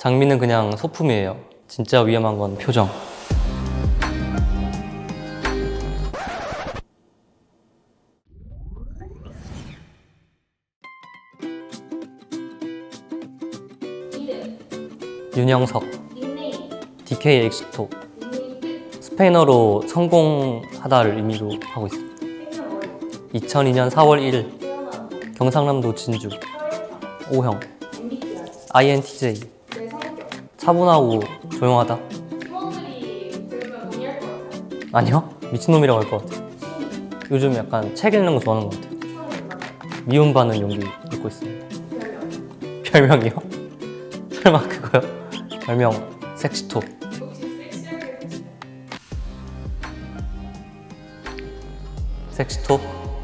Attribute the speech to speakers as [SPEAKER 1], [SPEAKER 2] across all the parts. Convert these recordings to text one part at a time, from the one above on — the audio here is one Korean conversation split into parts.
[SPEAKER 1] 장미는 그냥 소품이에요. 진짜 위험한 건 표정.
[SPEAKER 2] 이름,
[SPEAKER 1] 윤영석,
[SPEAKER 2] 닉네임,
[SPEAKER 1] DK 엑스토.
[SPEAKER 2] 닉네임 뜻,
[SPEAKER 1] 스페인어로 성공하다를 의미로 하고 있습니다.
[SPEAKER 2] 생년월일,
[SPEAKER 1] 2002년 4월 1일
[SPEAKER 2] 태어난 곳,
[SPEAKER 1] 경상남도 진주.
[SPEAKER 2] 혈액형,
[SPEAKER 1] O형,
[SPEAKER 2] MBTI,
[SPEAKER 1] INTJ.
[SPEAKER 2] 내 성격.
[SPEAKER 1] 차분하고 조용하다.
[SPEAKER 2] 팀원들이 들으면 동의할 것 같아요.
[SPEAKER 1] 아니요? 미친놈이라고 할 것 같아요.
[SPEAKER 2] 취미,
[SPEAKER 1] 요즘 약간 책 읽는 거 좋아하는 것 같아요.
[SPEAKER 2] 처음 만나,
[SPEAKER 1] 미움받는 용기 읽고 있습니다.
[SPEAKER 2] 별명.
[SPEAKER 1] 별명이요? 설마 그거요? 별명 섹시토.
[SPEAKER 2] 혹시 섹시하게 해주세요.
[SPEAKER 1] 섹시토?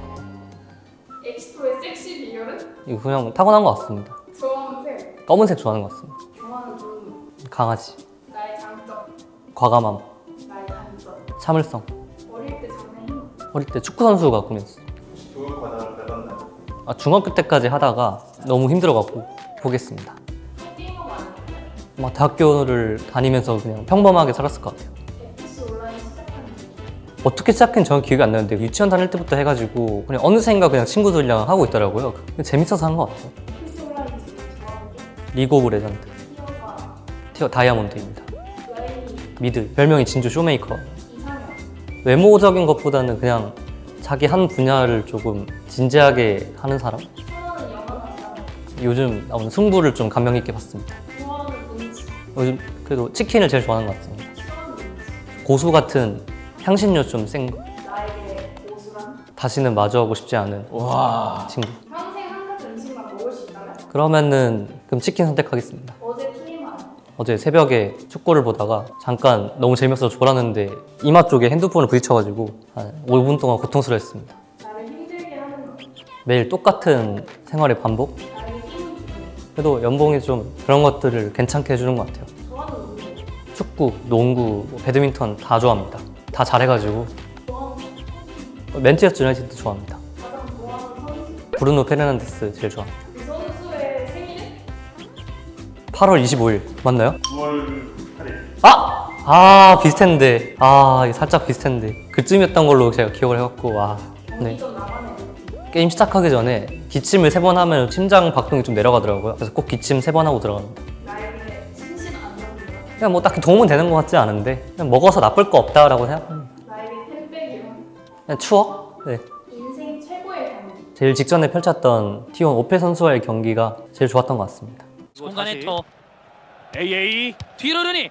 [SPEAKER 2] 엑스토의 섹시 비결은?
[SPEAKER 1] 이거 그냥 타고난 것 같습니다.
[SPEAKER 2] 좋아하는 색,
[SPEAKER 1] 검은색 좋아하는 것 같습니다.
[SPEAKER 2] 좋아하는 동물,
[SPEAKER 1] 강아지,
[SPEAKER 2] 나의 장점,
[SPEAKER 1] 과감함,
[SPEAKER 2] 나의 단점.
[SPEAKER 1] 참을성.
[SPEAKER 2] 어릴 때 장래희망.
[SPEAKER 1] 어릴 때 축구 선수가 꿈이었어요.
[SPEAKER 3] 교육 과정을 밟았나요?
[SPEAKER 1] 중학교 때까지 하다가 너무 힘들어갖고 포기했습니다.
[SPEAKER 2] 게임하고 안 했나요?
[SPEAKER 1] 막 대학교를 다니면서 그냥 평범하게 살았을 것 같아요.
[SPEAKER 2] FC 온라인 시작한 지
[SPEAKER 1] 어떻게 시작했는지 정확히 기억이 안 나는데 유치원 다닐 때부터 해가지고 그냥 어느샌가 그냥 친구들이랑 하고 있더라고요. 재밌어서 한 것 같아요.
[SPEAKER 2] FC 온라인 제일 좋아하는 게
[SPEAKER 1] 리그 오브 레전드,
[SPEAKER 2] 티어가
[SPEAKER 1] 티어 다이아몬드입니다.
[SPEAKER 2] 라인이
[SPEAKER 1] 미드, 별명이 진주 쇼메이커.
[SPEAKER 2] 이상형,
[SPEAKER 1] 외모적인 것보다는 그냥 자기 한 분야를 조금 진지하게 하는 사람?
[SPEAKER 2] 좋아하는 영화나 드라마,
[SPEAKER 1] 요즘 나오는 승부를 좀 감명 있게 봤습니다.
[SPEAKER 2] 좋아하는 음식,
[SPEAKER 1] 요즘 그래도 치킨을 제일 좋아하는 것 같습니다.
[SPEAKER 2] 싫어하는 음식,
[SPEAKER 1] 고수 같은 향신료 좀 센 거.
[SPEAKER 2] 나에게 고수란?
[SPEAKER 1] 다시는 마주하고 싶지 않은 친구.
[SPEAKER 2] 평생 한 가지 음식만 먹을 수 있다면?
[SPEAKER 1] 그러면은 그럼 치킨 선택하겠습니다.
[SPEAKER 2] 어제 TMI,
[SPEAKER 1] 어제 새벽에 축구를 보다가 잠깐 너무 재밌어서 졸았는데 이마 쪽에 핸드폰을 부딪혀가지고 한 5분 동안 고통스러웠습니다.
[SPEAKER 2] 나를 힘들게 하는 것,
[SPEAKER 1] 매일 똑같은 생활의 반복?
[SPEAKER 2] 나에게 힘을 주는
[SPEAKER 1] 그래도 연봉이 좀 그런 것들을 괜찮게 해주는 것 같아요.
[SPEAKER 2] 것, 좋아하는 운동,
[SPEAKER 1] 축구, 농구, 배드민턴 다 좋아합니다. 다 잘해가지고
[SPEAKER 2] 좋아하는 선수,
[SPEAKER 1] 맨체스터 유나이티드 좋아합니다.
[SPEAKER 2] 가장 좋아하는 선수,
[SPEAKER 1] 브루노 페르난데스 제일 좋아합니다.
[SPEAKER 2] 그 선수의 생일은?
[SPEAKER 1] 8월 25일 맞나요?
[SPEAKER 3] 9월 8일.
[SPEAKER 1] 비슷했는데 이게 살짝 비슷했는데 그쯤이었던 걸로 제가 기억을 해갖고 네.
[SPEAKER 2] 경기전 나만의 루틴,
[SPEAKER 1] 게임 시작하기 전에 기침을 3번 하면 심장 박동이 좀 내려가더라고요. 그래서 꼭 기침 3번 하고 들어갑니다.
[SPEAKER 2] 나에게 심신 안정기관,
[SPEAKER 1] 그냥 뭐 딱히 도움은 되는 것 같지 않은데 그냥 먹어서 나쁠 거 없다라고 생각합니다.
[SPEAKER 2] 나에게 팬백이란?
[SPEAKER 1] 그냥 추억? 네.
[SPEAKER 2] 인생 최고의 경기,
[SPEAKER 1] 제일 직전에 펼쳤던 T1 오페 선수와의 경기가 제일 좋았던 것 같습니다.
[SPEAKER 4] 공간에 터 AA
[SPEAKER 5] 뒤로 르니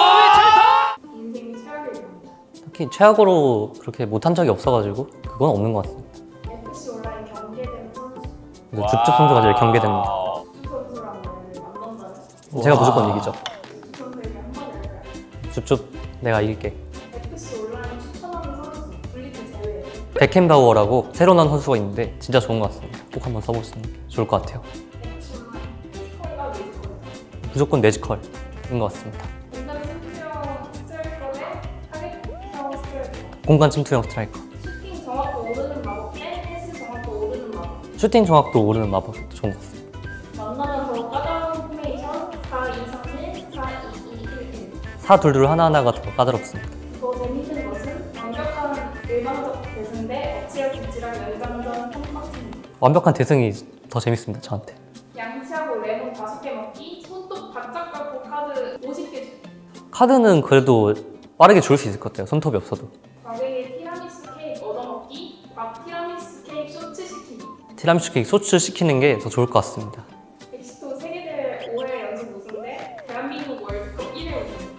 [SPEAKER 4] 와
[SPEAKER 2] 인생 최악의 경기,
[SPEAKER 1] 딱히 최악으로 그렇게 못한 적이 없어가지고 그건 없는 것 같습니다.
[SPEAKER 2] FC 온라인 경계된 선수,
[SPEAKER 1] 그래서 줍줍 선수가 제일 경계됩니다.
[SPEAKER 2] 주 선수랑 만난다면
[SPEAKER 1] 제가 무조건 이기죠.
[SPEAKER 2] 주 선수에게 한마디 할까요?
[SPEAKER 1] 줍줍 내가 이길게.
[SPEAKER 2] FC 온라인 추천하는 선수, 분리트 제외,
[SPEAKER 1] 베켄바우어라고 새로 나온 선수가 있는데 진짜 좋은 것 같습니다. 꼭 한번 써보시는 게 좋을 것 같아요.
[SPEAKER 2] FC 온라인 피지컬과 웨이컬,
[SPEAKER 1] 무조건 매지컬인 것 같습니다.
[SPEAKER 2] 공간 침투형 스트라이커 대 타겟형 스트라이커,
[SPEAKER 1] 공간 침투형 스트라이커.
[SPEAKER 2] 슈팅 정확도 오르는 마법 대 패스 정확도 오르는 마법,
[SPEAKER 1] 슈팅 정확도 오르는 마법도 좋은 것 같습니다.
[SPEAKER 2] 만나면 더 까다로운 포메이션 4-2-3-1, 4-2-2-1-1.
[SPEAKER 1] 사둘둘 하나하나가 더 까다롭습니다.
[SPEAKER 2] 더 재밌는 것은 완벽한 일방적 대승 대 엎치락뒤치락 연장전 턴박스입니다.
[SPEAKER 1] 완벽한 대승이 더 재밌습니다, 저한테.
[SPEAKER 2] 양치하고 레몬 5개 먹기, 손톱 바짝 깎고 카드 50개 주기.
[SPEAKER 1] 카드는 그래도 빠르게 줄 수 있을 것 같아요, 손톱이 없어도.
[SPEAKER 2] 과거에 티라미수 케이크 얻어먹기, 밥 티라미수 케이크 쇼츠 시키기.
[SPEAKER 1] 티라미수 케이크 소츠 시키는 게 더 좋을 것 같습니다.
[SPEAKER 2] 엑시토 세계대회 5회 연속 우승 대 대한민국 월드컵 1회 우승.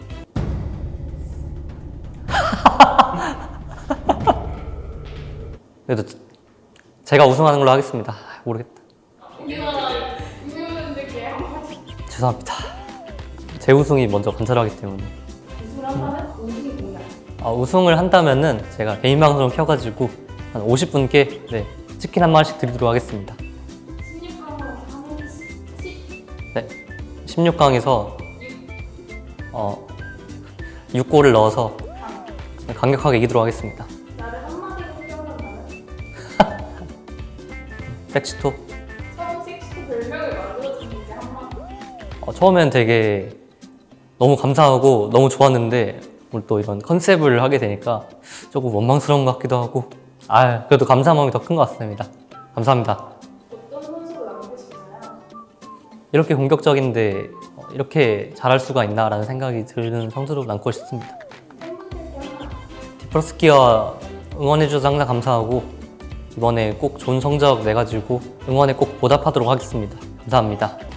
[SPEAKER 1] 그래도 제가 우승하는 걸로 하겠습니다. 모르겠다.
[SPEAKER 2] 우승분들께 한마디.
[SPEAKER 1] 죄송합니다. 제 우승이 먼저 관찰하기 때문에.
[SPEAKER 2] 우승을 한다면 우승이 공약.
[SPEAKER 1] 우승을 한다면은 제가 개인 방송을 켜가지고 한 50분께 치킨 한 마리씩 드리도록 하겠습니다.
[SPEAKER 2] 16강으로 3회씩 10.
[SPEAKER 1] 네, 16강에서 6골을 넣어서 강력하게 이기도록 하겠습니다.
[SPEAKER 2] 나를 한마디로 표현한다면?
[SPEAKER 1] 섹시토?
[SPEAKER 2] 처음 섹시토 별명을 만들어준 게 한마디.
[SPEAKER 1] 처음엔 되게 너무 감사하고 너무 좋았는데 오늘 또 이런 컨셉을 하게 되니까 조금 원망스러운 것 같기도 하고 그래도 감사한 마음이 더 큰 것 같습니다. 감사합니다.
[SPEAKER 2] 어떤 선수로 남고 싶나요?
[SPEAKER 1] 이렇게 공격적인데 이렇게 잘할 수가 있나라는 생각이 드는 선수로 남고 싶습니다.
[SPEAKER 2] 팬분들께 하나
[SPEAKER 1] 디프로스키와 응원해주셔서 항상 감사하고 이번에 꼭 좋은 성적 내가지고 응원에 꼭 보답하도록 하겠습니다. 감사합니다.